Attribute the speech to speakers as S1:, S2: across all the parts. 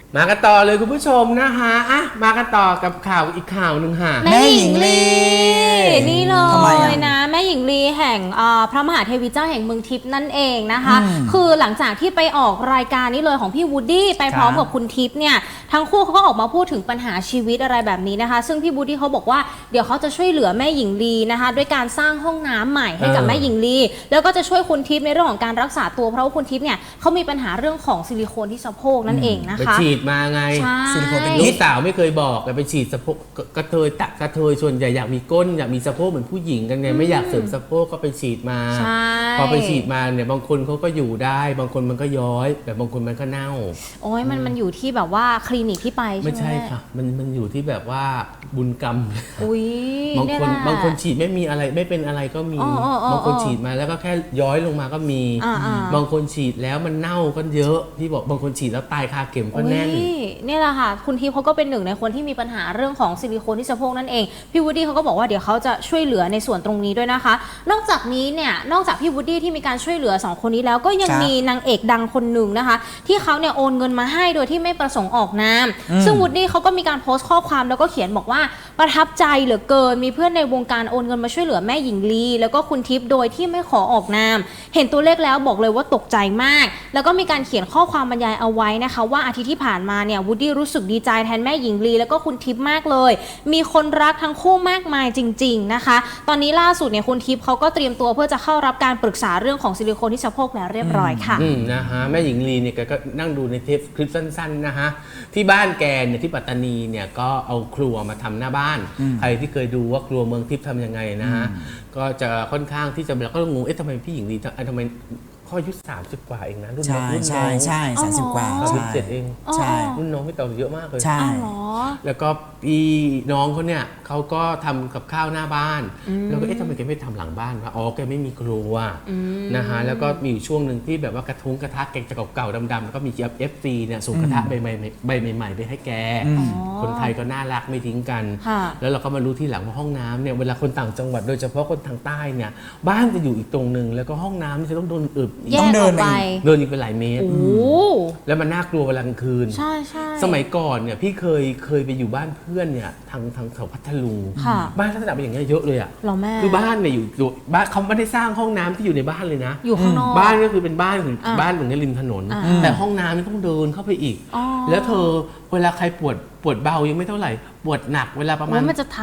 S1: มากันต่อเลยคุณผู้ชมนะคะมากันต่อกับข่าวอีกข่าวหนึ่งค่ะ
S2: แม่หญิงลีนี่เลยนะแม่หญิงลีแห่งพระมหาเทวีเจ้าแห่งเมืองทิพย์นั่นเองนะคะคือหลังจากที่ไปออกรายการนี้เลยของพี่วูดดี้ไปพร้อมกับคุณทิพย์เนี่ยทั้งคู่เขาก็ออกมาพูดถึงปัญหาชีวิตอะไรแบบนี้นะคะซึ่งพี่วูดดี้เขาบอกว่าเดี๋ยวเขาจะช่วยเหลือแม่หญิงลีนะคะด้วยการสร้างห้องน้ำใหม่ให้กับแม่หญิงลีแล้วก็จะช่วยคุณทิพย์ในเรื่องของการรักษาตัวเพราะว่าคุณทิพย์เนี่ยเขามีปัญหาเรื่องของซิลิโคนที่สะโพกนั่นเองนะคะ
S1: ไปฉีดมาไง
S2: ซิลิโคนเป็น
S1: ลูกสาวไม่เคยบอกแต่ไปฉีดสะโพกกระเทยส่วนใหญ่อยากมีก้นอยากมีสะโพกเหมือนผู้หญิงกันไงไม่อยากเสริมสะโพกก็ไปฉีดมาพอไปฉีดมาเนี่ยบางคนเขาก็อยู่ได้บางคนมันก็ย้อยแต่บางคนมันก็เน่า
S2: โอ้ยมันอยู่ที่แบบว่าคลินิกที่ไป
S1: ไม่ใช่ค่ะมันอยู่ที่แบบว่าบุญกรรมบางคนฉีดไม่มีอะไรไม่เป็นอะไรก็มีบางคนฉีดมาแล้วก็แค่ย้อยลงมาก็มีบางคนฉีดแล้วมันเน่าก็เยอะที่บอกบางคนฉีดแล้วตายคาเข็มก็แน่น
S2: นี่แหละค่ะคุณทิพย์เขาก็เป็นหนึ่งในคนที่มีปัญหาเรื่องของซิลิโคนที่สะโพกนั่นเองพี่วูดดี้เขาก็บอกว่าเดี๋ยวเขาจะช่วยเหลือในส่วนตรงนี้ด้วยนะคะนอกจากนี้เนี่ยนอกจากพี่วูดดี้ที่มีการช่วยเหลือ2คนนี้แล้วก็ยังมีนางเอกดังคนหนึ่งนะคะที่เขาเนี่ยโอนเงินมาให้โดยที่ไม่ประสงค์ออกนามซึ่งวูดดี้เขาก็มีการโพสต์ข้อความแล้วก็เขียนบอกว่าประทับใจเหลือเกินมีเพื่อนในวงการโอนเงินมาช่วยเหลือแม่หญิงลีแล้วก็คุณทิพย์โดยที่ไม่ขอออกนามเห็นตัวเลขแล้วบอกเลยว่าตกใจมากแล้วก็มีการเขียนข้อความบรรยายเอาไว้นะคะว่าอาทิตย์ที่ผ่านมาเนี่ยวูดดี้รู้สึกดีใจแทนแม่หญิงลีแล้วก็คุณทิพย์มากเลยมีคนรักทั้งคู่มากมายจริงๆนะคะตอนนี้ล่าสุดเนี่ยคุณทิพย์เขาก็เตรียมตัวเพื่อจะเข้ารับการปรึกษาเรื่องของซิลิโคนที่สะโพกแล้วเรียบร้อยค่ะ
S1: นะฮะแม่หญิงลีเนี่ยก็นั่งดูในเทปคลิปสั้นๆนะฮะที่บ้านแกเนี่ยที่ปัตตานีเนี่ยก็เอาครัวมาทำหน้าบ้านใครที่เคยดูว่าครัวเมืองทิพย์ทำยังไงนะฮะก็จะค่อนข้างที่จะแล้วก็งงทำไมพี่หญิงลีทำไมพ่ออายุ30 กว่าเองนะรุ่นน้อง
S3: ใช่30 กว่า
S1: 37เอง
S3: ใช่
S1: รุ่นน้องไม่ต่างเยอะมากเลย
S3: ใช่
S1: แล้วก็พี่น้องเขาเนี่ยเขาก็ทำกับข้าวหน้าบ้านแล้วก็ทำไมแกไม่ทำหลังบ้านวะแกไม่มีครัวนะฮะแล้วก็มีช่วงหนึ่งที่แบบว่ากระทะแกจะเก่าๆดำๆแล้วก็มีFCเนี่ยส่งกระทะใบใหม่ๆไปให้แกคนไทยก็น่ารักไม่ทิ้งกันแล้วเราก็มารู้ที่หลังว่าห้องน้ำเนี่ยเวลาคนต่างจังหวัดโดยเฉพาะคนทางใต้เนี่ยบ้านจะอยู่อีกตรงนึงแล้วก็ห้องน้ำจะต้องโดนอึ
S2: ต้องเดิน
S1: อีกเป็นหลายเมตรแล้วมันน่ากลัวเวลากลางคืน
S2: ใช่
S1: สมัยก่อนเนี่ยพี่เคยไปอยู่บ้านเพื่อนเนี่ยทางแถวพัทลุงบ้านลักษณะเป็นอย่างเงี้ยเยอะเลยอ่ะคือบ้านเนี่ยอยู่บ้านเขาไม่ได้สร้างห้องน้ำที่อยู่ในบ้านเลยนะ
S2: อยู่ข้างนอก
S1: บ้านก็คือเป็นบ้านของในริมถนนแต่ห้องน้ำนี่ต้องเดินเข้าไปอีกแล้วเธอเวลาใครปวดเบายังไม่เท่าไหร่ปวดหนักเวลาประมาณ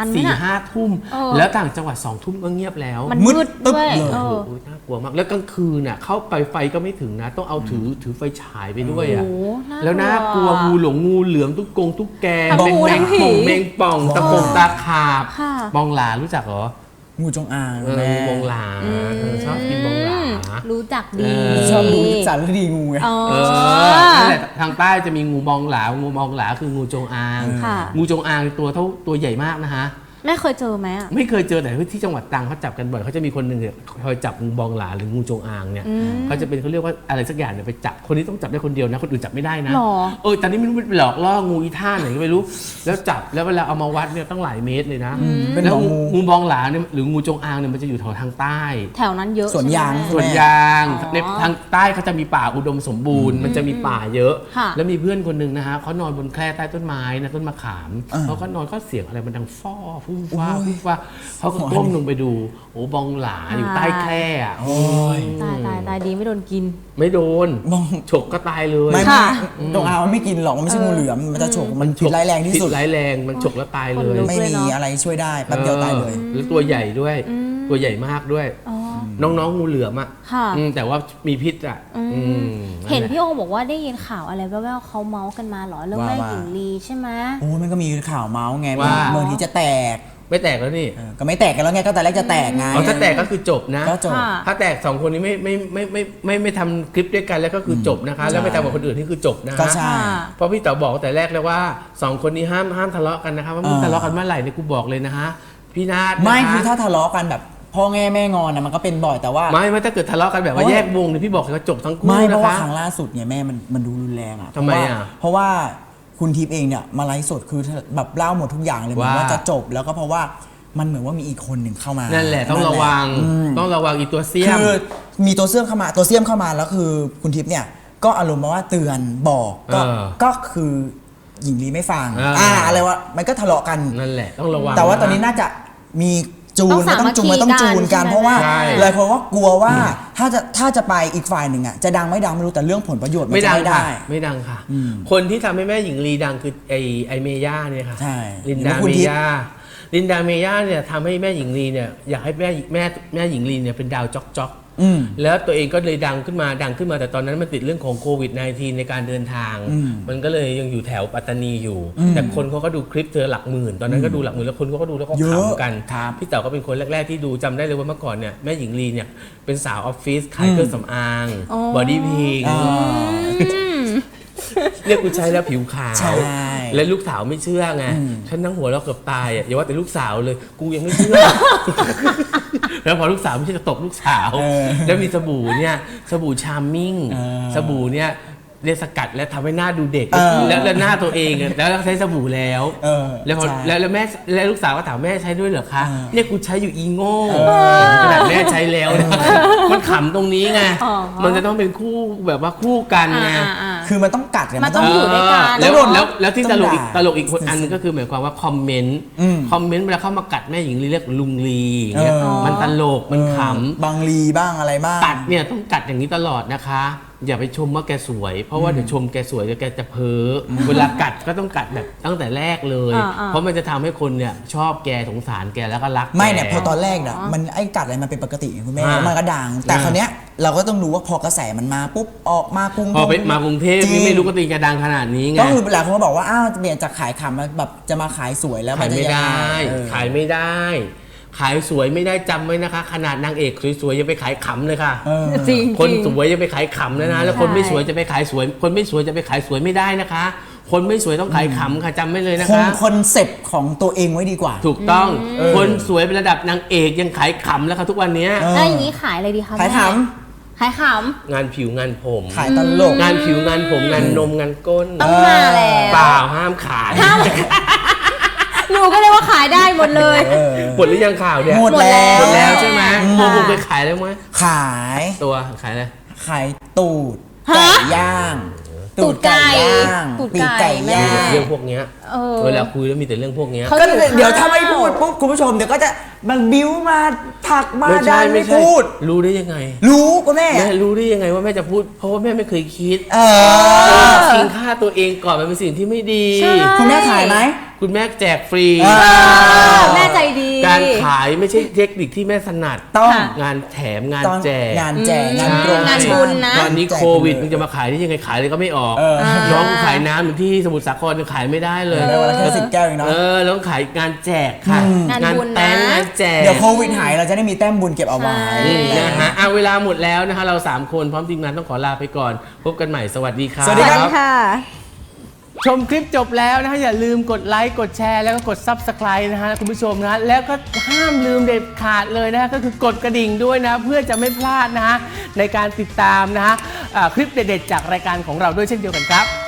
S1: 4-5 ทุ่มแล้วต่างจังหวัด2 ทุ่มก็เงียบแล้ว
S2: มันมืดด้วย
S1: น่ากลัวมากแล้วกลางคืนน่ะเข้าไปไฟก็ไม่ถึงนะต้องเอาถือไฟฉายไปด้วยอ่ะแล้วน่ากลัวงูเหลือมตุ๊กแกแมงป่องตาขาบมองหลารู้จักเหรอ
S3: งูจงอาง
S1: งูมองหลาชอบกินมองหลา
S2: รู้จักดี
S3: ชอบดูสารคดีงูไง
S1: นั่นแหละทางใต้จะมีงูมองหลาคืองูจงอางงูจงอางตัวใหญ่มากนะฮะ
S2: ไม่เคยเจอไหม
S1: ไม่เคยเจอแต่ที่จังหวัดตรังเขาจับกันบ่อยเขาจะมีคนหนึ่งเนี่ยคอยจับงูบองหลาหรืองูจงอางเนี่ยเขาจะเป็นเขาเรียกว่าอะไรสักอย่างเนี่ยไปจับคนนี้ต้องจับได้คนเดียวนะคนอื่นจับไม่ได้นะตอนนี้ไม่รู้เป็นหลอกล่องูอีท่าไหนก็ไม่รู้แล้วจับแล้วเวลาเอามาวัดเนี่ยต้องหลายเมตรเลยนะแล้วงูบองหลาเนี่ยหรืองูจงอางเนี่ยมันจะอยู่ทางใต้
S2: แถวนั้นเยอะ
S3: สวนยาง
S1: ในทางใต้เขาจะมีป่าอุดมสมบูรณ์มันจะมีป่าเยอะแล้วมีเพื่อนคนหนึ่งนะฮะเขานอนบนแคร่ใต้ต้นไม้นะต้นมะขามเขาก็นอนก็เสียงอะไรมันดังฟ้อฟุ้งฟ้าเขาก็ก้มลงไปดูบองหลาอยู่ใต้แคร่
S2: ตายดีไม่โดนกิน
S1: ไม่โดนฉกก็ตายเลย
S3: ไม่จงอางมันไม่กินหรอกมันไม่ใช่งูเหลือมมันจะฉกมันผิดร้ายแรงที่สุด
S1: ร้ายแรงมันฉกแล้วตายเลย
S3: ไม่มีอะไรช่วยได้แป๊บเดียวตายเลย
S1: แล้วตัวใหญ่ด้วยตัวใหญ่มากด้วยน้องงูเหลือมอ่ะแต่ว่ามีพิษอ่ะ
S2: เห็นพี่โอบอกว่าได้ยินข่าวอะไรแว่วๆเขาเมาส์กันมาหรอเรื่องแม่หญิงลีใช่ไหม
S3: มันก็มีข่าวเมาส์ไงว่าเมืองที่จะแตก
S1: ไม่แตกแล้วนี่
S3: ก็ไม่แตกกันแล้วไงก็แต่แรกจะแตกไง
S1: ถ้าแตกก็คือจบนะ
S3: ก็จบ
S1: ถ้าแตก2 คนนี้ไม่ทำคลิปด้วยกันแล้วก็คือจบนะคะแล้วไม่ทำกับคนอื่นนี่คือจบนะคะ
S3: ก็ใช่
S1: เพราะพี่เต๋อบอกแต่แรกแล้วว่า2 คนนี้ห้ามทะเลาะกันนะคะว่ามึงทะเลาะกันเมื่อไหร่เนี่ยกูบอกเลยนะฮะพี่นาฏ
S3: ไม่คือถ้าทะเลาะกันแบบพ่อแม่งอนนะมันก็เป็นบ่อยแต่ว่า
S1: ไม่ถ้าเกิดทะเลาะกันแบบว่าแยกวงเนี่ยพี่บอกเลยว่าจบทั้งคู่
S3: นะคะไม่เพราะว่าครั้งล่าสุดเนี่ยแม่มันดูรุนแรงอ่ะ
S1: ทำไมอ่ะ
S3: เพราะว่าคุณทิพย์เองเนี่ยมาไลฟ์สดคือแบบเล่าหมดทุกอย่างเลยเหมือนว่าจะจบแล้วก็เพราะว่ามันเหมือนว่ามีอีกคนหนึ่งเข้ามา
S1: นั่นแหละต้องระวังอีกตัวเสี้ยม
S3: คือมีตัวเสี้ยมเข้ามาแล้วคือคุณทิพย์เนี่ยก็อารมณ์มาว่าเตือนบอกก็คือหญิงลีไม่ฟังอะไรวะมันก็ทะเลาะกัน
S1: นั่นแหละต้องระวัง
S3: แต่ว่าตอนนี้น่าจะมีจูนมันต้องจูนมันต้องจูนกันเพราะว่าหลายคนว่ากลัวว่าถ้าจะไปอีกฝ่ายหนึ่งอ่ะจะดังไม่ดังไม่รู้แต่เรื่องผลประโยชน์มันจะไม่ได้
S1: ไม่ดังค่ะ คนที่ทำให้แม่หญิงลีดังคือไอเมย่าเนี่ยค่ะ
S3: ใช่
S1: ลินดาเมย่าเนี่ยทำให้แม่หญิงลีเนี่ยอยากให้แม่หญิงลีเนี่ยเป็นดาวจ๊อกแล้วตัวเองก็เลยดังขึ้นมาแต่ตอนนั้นมันติดเรื่องของโควิด -19 ในการเดินทางมันก็เลยยังอยู่แถวปัตตานีอยู่แต่คนเขาก็ดูคลิปเธอหลักหมื่นตอนนั้นก็ดูหลักหมื่นแล้วคนเขาก็ดูแล้วก็ขำกันพี่เต๋อก็เป็นคนแรกๆที่ดูจำได้เลยว่าเมื่อก่อนเนี่ยแม่หญิงลีเนี่ยเป็นสาวออฟฟิศขายเครื่องสำอางบอดี้พิงเรียกกูใช้แล้วผิวขาวและลูกสาวไม่เชื่อไงฉันนั่งหัวเราะเกือบตายอ่ะอย่าว่าแต่ลูกสาวเลยกูยังไม่เชื่อ แล้วพอลูกสาวไม่ใช่จะตบลูกสาวแล้วมีสบู่เนี่ยสบู่ชาร์มมิ่งสบู่เนี่ยเรียกสกัดและทำให้หน้าดูเด็กแล้วหน้าตัวเองแล้วใช้สบู่แล้วแล้วแม่แล้วลูกสาวก็ถามแม่ใช้ด้วยเหรอคะเนี่ยกูใช้อยู่อีโง่ขนาดแม่ใช้แล้วนะมันขำตรงนี้ไงมันจะต้องเป็นคู่แบบว่าคู่กันไง
S3: คือมันต้องกัด
S2: มันต้องอยู่ด้วยกัน
S1: แล้วที่ตลกอีกคนอันนึงก็คือหมายความว่าคอมเมนต์เวลาเข้ามากัดแม่หญิงลีเรียกลุงลีเนี่ยมันตลกมันขำ
S3: บางลีบ้างอะไรบ้าง
S1: กัดเนี่ยต้องกัดอย่างนี้ตลอดนะคะอย่าไปชมว่าแกสวยเพราะว่าเดี๋ยวชมแกสวยเดี๋ยวแกจะเพ้อเวลากัดก็ต้องกัดแบบตั้งแต่แรกเลยเพราะมันจะทำให้คนเนี่ยชอบแกสงสารแกแล้วก็รัก
S3: ไม่เนี่ยพอตอนแรกน่ะมันไอ้กัดอะไรมันเป็นปกติคุณแม่มันก็ดังแต่คราวเนี้ยเราก็ต้องรู้ว่าพอกระแสมันมาปุ๊บออกมากรุง
S1: พอไปมากรุงเทพไม่รู้กติกาดังขนาดนี้ไง
S3: ก็คือหลายคนก็บอกว่าอ้าวเปลี่ยนจากขายขำมาแบบจะมาขายสวยแล้ว
S1: ขายไม่ได้ขายสวยไม่ได้จำไว้นะคะขนาดนางเอกสวยๆยังไปขายขำเลยค่ะ
S2: จริง
S1: คนสวยยังไปขายขำนะแล้วคนไม่สวยจะไปขายสวยคนไม่สวยจะไปขายสวยไม่ได้นะคะคนไม่สวยต้องขายขำค่ะจำไว้เลยนะคะ
S3: คอนเซ็ปต์ของตัวเองไว้ดีกว่า
S1: ถูกต้องคนสวยเป็นระดับนางเอกยังขายขำแล้วค่ะทุกวันนี้
S2: แล้วอย่างนี้ขายอะไรดีคะ
S3: ขายข
S2: ำ
S1: งานผิวงานผม
S3: ขายตลก
S1: งานผิวงานผมงานนมงานก้น
S2: ต้องมาแล้ว
S1: เปล่าห้ามขาย
S2: หนูก็เลยว่าขายได้หมดเลย
S1: หมดหรือยังข่าวเนี่ย
S3: หมดแล้ว
S1: ใช่ไหมโมไปขายแล้วไหม
S3: ขาย
S1: ตัวขายอะไร
S3: ขายตูดไก่ย่าง
S2: ตูดไก่ย่าง
S3: ปีกไก่ย่าง
S1: เรื่องพวกเนี้ยเวลาคุยแล้วมีแต่เรื่องพวกเนี้ย
S3: ก็เดี๋ยวถ้าไม่พูดปุ๊บคุณผู้ชมเดี๋ยวก็จะมันบิ้วมาผักมาดันไม่พูด
S1: รู้ได้ยังไง
S3: รู้ก็แม่
S1: รู้ได้ยังไงว่าแม่จะพูดเพราะว่าแม่ไม่เคยคิดทิ้งค่าตัวเองก่อนมันเป็นสิ่งที่ไม่ดี
S3: คุณแม่ขายไหม
S1: คุณแม่แจกฟรี
S2: แม่ใจดี
S1: การขายไม่ใช่เทคนิคที่แม่ถนัด
S3: ต้อง
S1: งานแถมงานแจก
S3: งานโปร
S2: งานบุญนะ
S1: ตอนนี้โควิดมันจะมาขายได้ยังไงขายเลยก็ไม่ออกน้องขายน้ำอยู่ที่สมุทรสาครยังขายไม่ได้เลย
S3: แค่10 แก้วเองเนาะ
S1: แล้วขายงานแจกค่ะงานแต้มงานแจก
S3: เดี๋ยวโควิดหายเราจะได้มีแต้มบุญเก็บเอาไว้
S1: นะฮะเวลาหมดแล้วนะคะเรา3คนพร้อมทีมงานต้องขอลาไปก่อนพบกันใหม่สวัสดีครับ
S3: สวัสดีค่ะ
S1: ชมคลิปจบแล้วนะฮะอย่าลืมกดไลค์กดแชร์แล้วก็กด Subscribe นะฮะคุณผู้ชมนะแล้วก็ห้ามลืมเด็ดขาดเลยนะฮะก็คือกดกระดิ่งด้วยนะเพื่อจะไม่พลาดนะฮะในการติดตามนะฮะคลิปเด็ดๆจากรายการของเราด้วยเช่นเดียวกันครับ